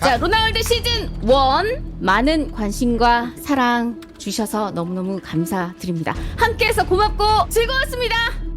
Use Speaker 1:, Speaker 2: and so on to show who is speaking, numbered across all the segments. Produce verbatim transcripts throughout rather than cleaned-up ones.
Speaker 1: 자, 로나월드 시즌 원 많은 관심과 사랑 주셔서 너무너무 감사드립니다. 함께해서 고맙고 즐거웠습니다.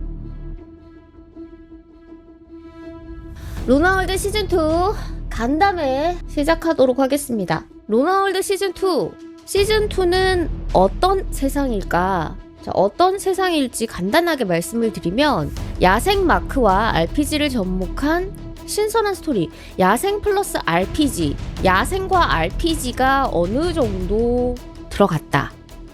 Speaker 1: 로나월드 시즌 투 간담회 시작하도록 하겠습니다. 로나월드 시즌 투 시즌 투는 어떤 세상일까? 자, 어떤 세상일지 간단하게 말씀을 드리면 야생 마크와 알피지를 접목한 신선한 스토리, 야생 플러스 알피지, 야생과 알피지가 어느 정도 들어갔다.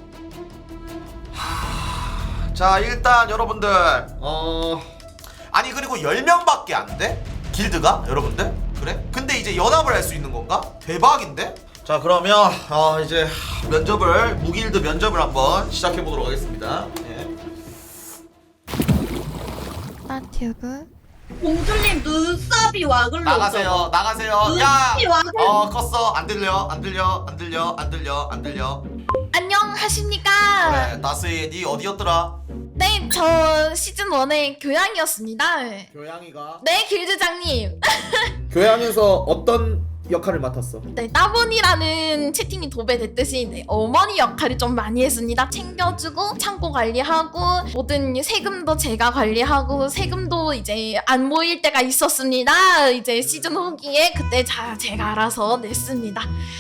Speaker 2: 자, 일단 여러분들 어 아니 그리고 열 명밖에 안 돼? 길드가? 여러분들? 그래? 근데 이제 연합을 할 수 있는 건가? 대박인데? 자, 그러면 어 이제 면접을 무길드 면접을 한번 시작해 보도록 하겠습니다. 예.
Speaker 3: 나튜브
Speaker 4: 공주님 눈썹이 와글로
Speaker 2: 나가세요. 나가세요. 야!
Speaker 4: 눈썹이 와글.
Speaker 2: 어, 껐어. 안 들려. 안 들려. 안 들려. 안 들려. 안 들려.
Speaker 3: 안녕하십니까.
Speaker 2: 그래. 나스이 니 어디였더라?
Speaker 3: 네, 저 시즌 원의 교양이었습니다.
Speaker 5: 교양이가
Speaker 3: 네, 길드장님.
Speaker 5: 교양에서 어떤 역할을 맡았어?
Speaker 3: 네, 따분이라는 채팅이 도배됐듯이 네, 어머니 역할을 좀 많이 했습니다. 챙겨주고 창고 관리하고 모든 세금도 제가 관리하고 세금도 이제 안 모일 때가 있었습니다. 이제 시즌 후기에 그때 자, 제가 알아서 냈습니다.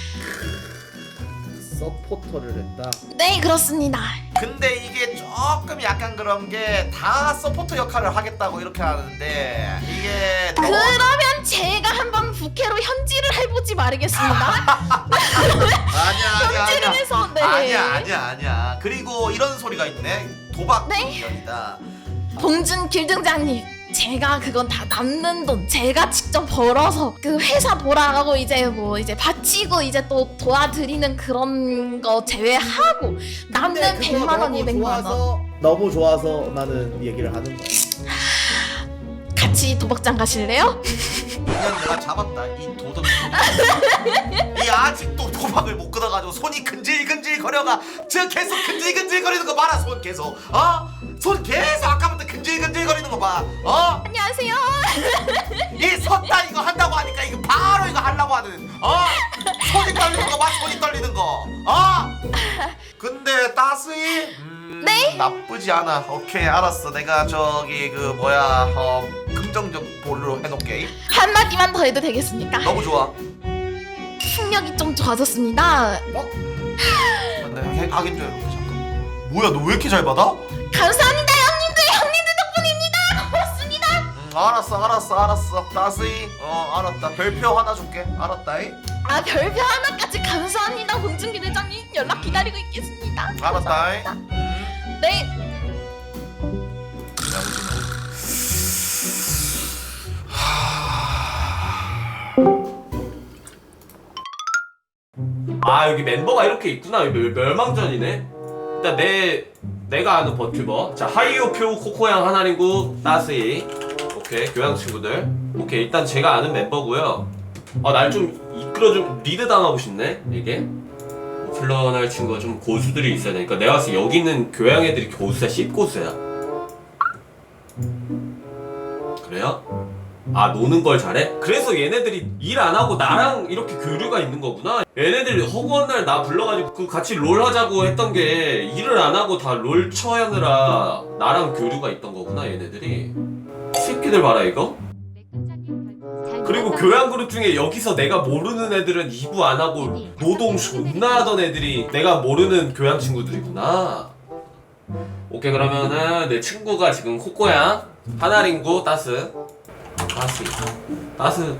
Speaker 5: 서포터를 했다.
Speaker 3: 네, 그렇습니다.
Speaker 2: 근데 이게 조금 약간 그런 게 다 서포터 역할을 하겠다고 이렇게 하는데 이게 너무-
Speaker 3: 그러면 제가 한번 부캐로 현질을 해보지 말겠습니다.
Speaker 2: 아니야 아니야
Speaker 3: 현질을
Speaker 2: 아니야
Speaker 3: 해서 네.
Speaker 2: 아니야 아니야 아니야 그리고 이런 소리가 있네. 도박
Speaker 3: 네?
Speaker 2: 미션이다.
Speaker 3: 봉준 길등장님, 제가 그건 다 남는 돈 제가 직접 벌어서 그 회사 돌아가고 이제 뭐 이제 바치고 이제 또 도와드리는 그런 거 제외하고 남는 백만 원, 이백만 원
Speaker 5: 너무 좋아서 나는 얘기를 하는 거야.
Speaker 3: 같이 도박장 가실래요?
Speaker 2: 그냥 내가 잡았다 이 도덕. 이 아직도 도박을 못 끊어가지고 손이 근질근질 거려가. 저 계속 근질근질 거리는 거 봐라. 손 계속 어? 손 계속 아까부터 근질근질 거리는 거 봐. 어?
Speaker 3: 안녕하세요.
Speaker 2: 이 섰다 이거 한다고 하니까 이거 바로 이거 하려고 하는 어? 손이 떨리는 거 봐. 손이 떨리는 거 어? 근데 따스이 음,
Speaker 3: 네?
Speaker 2: 나쁘지 않아. 오케이 알았어. 내가 저기 그 뭐야 어 긍정적 볼로 해놓게.
Speaker 3: 한마디만 더 해도 되겠습니까?
Speaker 2: 너무 좋아.
Speaker 3: 풍력이 좀 좋아졌습니다.
Speaker 2: 근데 해- 하긴 좀 이렇게 잠깐. 뭐야 너 왜 이렇게 잘 받아?
Speaker 3: 감사합니다 형님들. 형님들 덕분입니다. 고맙습니다.
Speaker 2: 음, 알았어 알았어 알았어. 따스이 어 알았다. 별표 하나 줄게. 알았다이.
Speaker 3: 아, 별표 하나까지 감사합니다. 봉준기 대장님 연락 기다리고 있겠습니다.
Speaker 2: 알았다이.
Speaker 3: 네.
Speaker 6: 아 여기 멤버가 이렇게 있구나. 여기 멸- 멸망전이네. 일단 내 내가 아는 버튜버. 자 하이오표 코코양 하나링구 따스이. 오케이 교양 친구들. 오케이 일단 제가 아는 멤버고요. 아날 좀 이끌어 좀 리드 당하고 싶네 이게. 플런할 친구가 좀 고수들이 있어야 되니까 내가 봤을 때 여기 있는 교양 애들이 고수야 씹고수야. 그래요? 아 노는 걸 잘해? 그래서 얘네들이 일 안 하고 나랑 이렇게 교류가 있는 거구나. 얘네들이 허구한 날 나 불러가지고 그 같이 롤 하자고 했던 게 일을 안 하고 다 롤 쳐하느라 나랑 교류가 있던 거구나 얘네들이. 새끼들 봐라 이거. 그리고 교양 그룹 중에 여기서 내가 모르는 애들은 이 부 안 하고 노동 존나 하던 애들이 내가 모르는 교양 친구들이구나. 오케이 그러면은 내 친구가 지금 코코양 하나링구 따스 따스 따스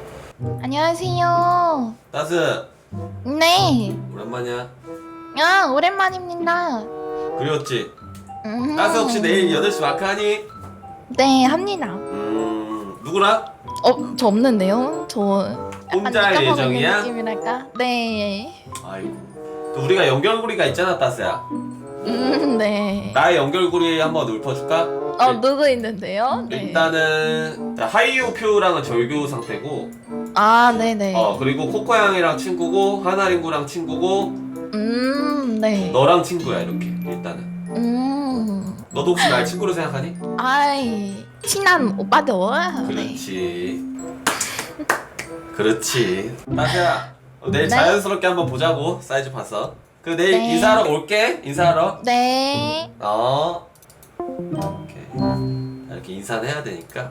Speaker 3: 안녕하세요.
Speaker 6: 따스
Speaker 3: 네.
Speaker 6: 오랜만이야.
Speaker 3: 아, 오랜만입니다.
Speaker 6: 그리웠지?
Speaker 3: 음.
Speaker 6: 따스 혹시 내일 여덟 시 마크 하니?
Speaker 3: 네, 합니다.
Speaker 6: 음 누구랑?
Speaker 3: 어, 저 없는데요? 저 약간
Speaker 6: 혼자
Speaker 3: 느껴보는
Speaker 6: 예정이야?
Speaker 3: 느낌이랄까? 네.
Speaker 6: 아이고 또 우리가 연결고리가 있잖아 따스야.
Speaker 3: 음, 네.
Speaker 6: 나의 연결고리 한번 읊어줄까?
Speaker 3: 어, 누구 있는데요? 네.
Speaker 6: 일단은 하이오표랑은 절교 상태고
Speaker 3: 아, 네네.
Speaker 6: 어 그리고 코코양이랑 친구고 하나링구랑 친구고
Speaker 3: 음, 네.
Speaker 6: 너랑 친구야 이렇게 일단은.
Speaker 3: 음.
Speaker 6: 너도 혹시 날 친구로 생각하니?
Speaker 3: 아이, 친한 오빠들. 네.
Speaker 6: 그렇지. 그렇지. 따스야, 어, 내일
Speaker 3: 네?
Speaker 6: 자연스럽게 한번 보자고. 사이즈 봐서. 그 내일
Speaker 3: 네.
Speaker 6: 인사하러 올게. 인사하러.
Speaker 3: 네.
Speaker 6: 어. 오케이. 이렇게 인사는 해야 되니까.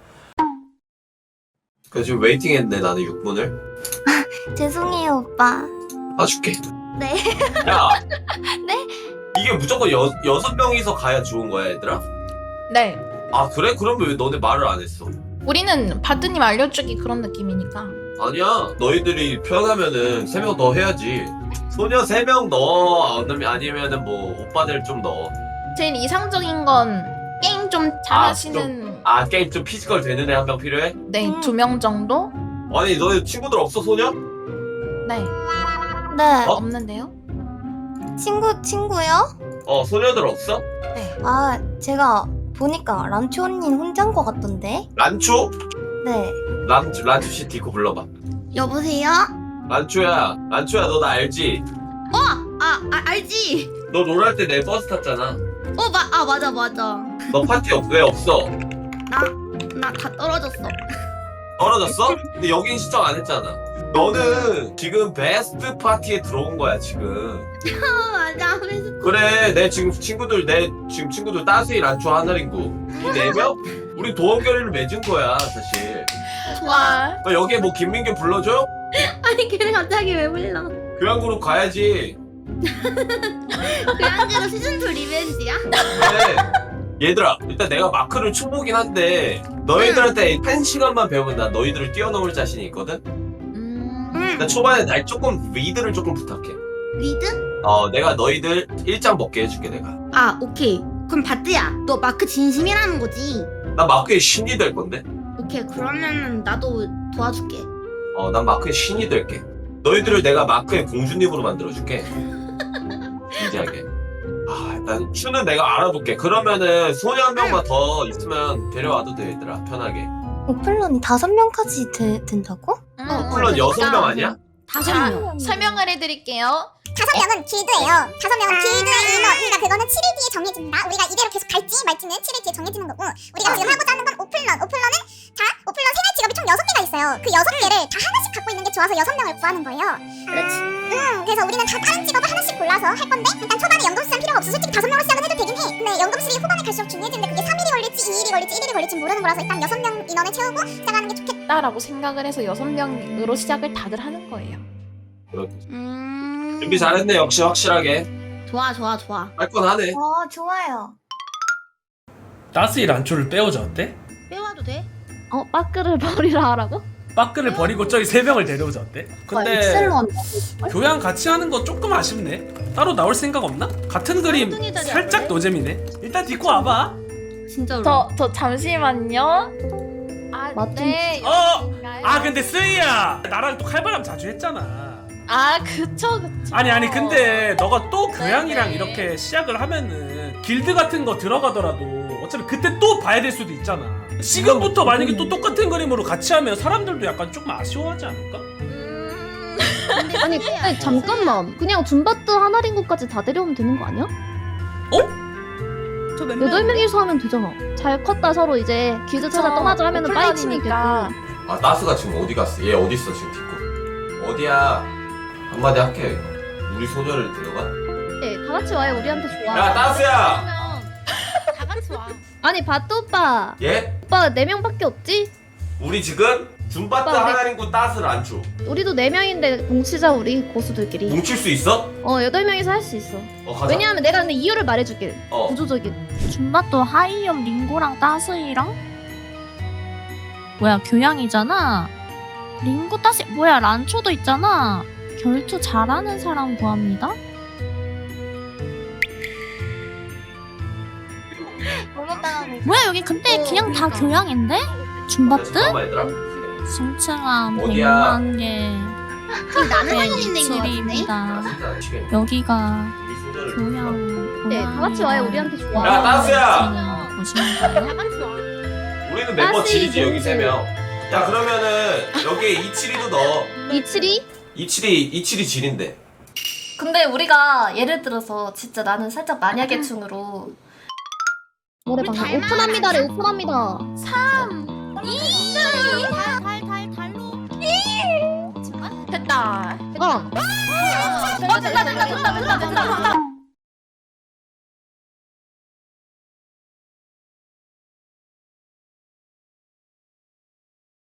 Speaker 6: 그 지금 웨이팅했는데 나는 육 분을.
Speaker 7: 죄송해요, 오빠.
Speaker 6: 봐줄게.
Speaker 7: 네.
Speaker 6: 야.
Speaker 7: 네?
Speaker 6: 이게 무조건 여, 여섯 명이서 가야 좋은 거야, 얘들아?
Speaker 3: 네.
Speaker 6: 아, 그래? 그러면 왜 너네 말을 안 했어?
Speaker 3: 우리는 바드님 알려주기 그런 느낌이니까.
Speaker 6: 아니야. 너희들이 편하면은 세 명 더 해야지. 소녀 세 명 넣어. 아니면- 아니면은 뭐 오빠들 좀 넣어.
Speaker 3: 제일 이상적인 건 게임 좀 잘하시는
Speaker 6: 아, 게임 좀 피지컬 되는 애 한 명 필요해?
Speaker 3: 네, 두 명 정도?
Speaker 6: 아니, 너희 친구들 없어, 소녀?
Speaker 3: 네.
Speaker 7: 네.
Speaker 6: 어?
Speaker 3: 없는데요?
Speaker 7: 친구, 친구요?
Speaker 6: 어, 소녀들 없어?
Speaker 3: 네.
Speaker 7: 아, 제가 보니까 란초 언니 혼자인 것 같던데?
Speaker 6: 란초?
Speaker 7: 네.
Speaker 6: 란초, 란초 씨 디코 불러봐.
Speaker 7: 여보세요?
Speaker 6: 란초야, 란초야, 너 나 알지?
Speaker 7: 아, 아 알지?
Speaker 6: 너 롤할 때 내 버스 탔잖아.
Speaker 7: 어, 마, 아, 맞아, 맞아.
Speaker 6: 너 파티 없, 왜 없어?
Speaker 7: 나, 나 다 떨어졌어.
Speaker 6: 떨어졌어? 근데 여긴 신청 안 했잖아. 너는 지금 베스트 파티에 들어온 거야, 지금.
Speaker 7: 아, 맞아. 하면서.
Speaker 6: 그래, 내 지금 친구들, 내 지금 친구들 따스이, 란초, 하나링구 이 네 명? 우리 도원결의를 맺은 거야, 사실.
Speaker 3: 와.
Speaker 6: 너 여기에 뭐 김민규 불러줘?
Speaker 7: 아니, 걔는 갑자기 왜 불러?
Speaker 6: 교양그룹 가야지.
Speaker 7: 그 한계로 시즌투 리벤지야?
Speaker 6: 그래. 얘들아, 일단 내가 마크를 초보긴 한데 너희들한테 한 시간만 배우면 난 너희들을 뛰어넘을 자신이 있거든?
Speaker 3: 음.
Speaker 7: 응.
Speaker 6: 나 초반에 날 조금 리드를 조금 부탁해.
Speaker 7: 리드?
Speaker 6: 어, 내가 너희들 일장 먹게 해줄게, 내가.
Speaker 7: 아, 오케이. 그럼 바트야, 너 마크 진심이라는 거지?
Speaker 6: 난 마크의 신이 될 건데?
Speaker 7: 오케이, 그러면은 나도 도와줄게.
Speaker 6: 어, 난 마크의 신이 될게. 너희들을 내가 마크의 공주님으로 만들어줄게. 진지하게. 아, 일단 추는 내가 알아볼게. 그러면은 소녀 한 명만 더 있으면 데려와도 돼, 얘들아. 편하게.
Speaker 7: 오플런이 다섯 명까지 되, 된다고?
Speaker 3: 음,
Speaker 6: 물론 여섯 명
Speaker 3: 그러니까
Speaker 6: 아니야?
Speaker 7: 다섯
Speaker 3: 자,
Speaker 7: 명.
Speaker 3: 설명을 해드릴게요.
Speaker 8: 다섯 명은 길드예요. 다섯 명은 길드의 인원. 그러니까 그거는 칠 일 뒤에 정해진다. 우리가 이대로 계속 갈지 말지는 칠 일 뒤에 정해지는 거고. 우리가 지금 하고자 하는 건 오플런. 오플런은 자, 오플런 생활 직업이 총 여섯 개가 있어요. 그 여섯 개를 다 하나씩 갖고 있는 게 좋아서 여섯 명을 구하는 거예요. 그렇지. 응. 그래서 우리는 다 다른 직업을 하나씩 골라서 할 건데 일단 초반에 연금 수장 필요가 없어. 솔직히 다섯 명으로 시작은 해도 되긴 해. 근데 연금술이 후반에 갈수록 중요해지는데 그게 삼 일이 걸릴지 이 일이 걸릴지 일 일이 걸릴지 모르는 거라서 일단 여섯 명 인원을 채우고 시작하는 게 좋겠다.
Speaker 3: 라고 생각을 해서 여섯 명으로 시작을 다들 하는 거예요.
Speaker 6: 그렇게.
Speaker 7: 음.
Speaker 6: 준비 잘했네, 역시 확실하게.
Speaker 7: 좋아, 좋아, 좋아.
Speaker 6: 할 건 하네.
Speaker 7: 어, 좋아요.
Speaker 9: 따스이 란초를 빼오자 어때?
Speaker 7: 빼와도 돼?
Speaker 1: 어, 빠끄를 버리라 하라고?
Speaker 9: 빠끄를 버리고 저기 세 명을 데려오자 어때? 근데
Speaker 7: 엑셀로 한다.
Speaker 9: 교양 같이 하는 거 조금 아쉽네. 따로 나올 생각 없나? 같은 그림
Speaker 7: 쌍둥이 자리
Speaker 9: 살짝
Speaker 7: 안
Speaker 9: 노잼이네. 일단 딛고 와봐.
Speaker 7: 진짜로.
Speaker 3: 저, 저 잠시만요. 아,
Speaker 1: 맞-
Speaker 3: 네.
Speaker 9: 어!
Speaker 3: 여기인가요?
Speaker 9: 아 근데 쓰이야 나랑 또 칼바람 자주 했잖아.
Speaker 3: 아, 그쵸, 그쵸.
Speaker 9: 아니 아니 근데 너가 또 교양이랑
Speaker 3: 네네.
Speaker 9: 이렇게 시작을 하면은 길드 같은 거 들어가더라도 어차피 그때 또 봐야 될 수도 있잖아. 지금부터 만약에 또 똑같은 그림으로 같이 하면 사람들도 약간 조금 아쉬워하지 않을까?
Speaker 3: 음.
Speaker 1: 아니 근데 잠깐만 그냥 줌바트 하나링구까지 다 데려오면 되는 거 아니야?
Speaker 7: 저몇
Speaker 1: 여덟 명이서 하면 되잖아. 잘 컸다 서로 이제 길드 찾아
Speaker 3: 그쵸.
Speaker 1: 떠나자 하면은
Speaker 3: 오플런이니까.
Speaker 1: 빠이치니까.
Speaker 6: 아, 따스가 지금 어디 갔어? 얘 어디 있어, 지금 딛고? 어디야? 한마디 할게. 우리 소녀를 데려가?
Speaker 1: 네, 다 같이 와요. 우리한테 좋아.
Speaker 6: 야, 따스야!
Speaker 3: 그러면 다 같이 와.
Speaker 1: 아니 바트 오빠.
Speaker 6: 얘?
Speaker 1: 오빠 네 명밖에 없지?
Speaker 6: 우리 지금 줌바트
Speaker 1: 오빠, 우리-
Speaker 6: 하나링구 따스를 안 줘.
Speaker 1: 우리도 네 명인데 뭉치자 우리 고수들끼리.
Speaker 6: 뭉칠 수 있어?
Speaker 1: 어 여덟 명이서 할 수 있어.
Speaker 6: 어, 가자.
Speaker 1: 왜냐하면 내가 근데 이유를 말해줄게.
Speaker 6: 어.
Speaker 1: 구조적인.
Speaker 7: 줌바또 하이엄 링고랑 따스이랑 뭐야 교양이잖아. 링고 따스 뭐야 란초도 있잖아. 결투 잘하는 사람 구합니다. 뭐야 여기 근데 그냥 다 교양인데?
Speaker 6: 야,
Speaker 7: 줌바트?
Speaker 6: 잠깐만, 얘들아.
Speaker 7: 승층함
Speaker 6: 어디야?
Speaker 7: 백만 개.
Speaker 8: 나는
Speaker 7: 백이십입니다.
Speaker 6: 따스야, 지금
Speaker 7: 여기가
Speaker 6: 우리 소녀를
Speaker 7: 교양.
Speaker 1: 네, 다 같이 와요. 우리한테 좋아.
Speaker 6: 야, 따스야!
Speaker 7: 보시는가요?
Speaker 3: 같이 와.
Speaker 6: 우리는 멤버
Speaker 1: 따스
Speaker 6: 질이지, 여기
Speaker 1: 이제.
Speaker 6: 세 명. 야, 그러면은 여기에 이칠이도 넣어.
Speaker 1: 이칠이?
Speaker 6: 이칠이, 이칠이 질인데.
Speaker 10: 근데 우리가 예를 들어서 진짜 나는 살짝 만약의충으로
Speaker 1: 노래 방금 오픈합니다래 오픈합니다.
Speaker 3: 삼, 이,
Speaker 7: 달달달달로
Speaker 3: 됐다.
Speaker 10: 어. 어, 된다, 된다, 된다, 된다, 된다, 된다.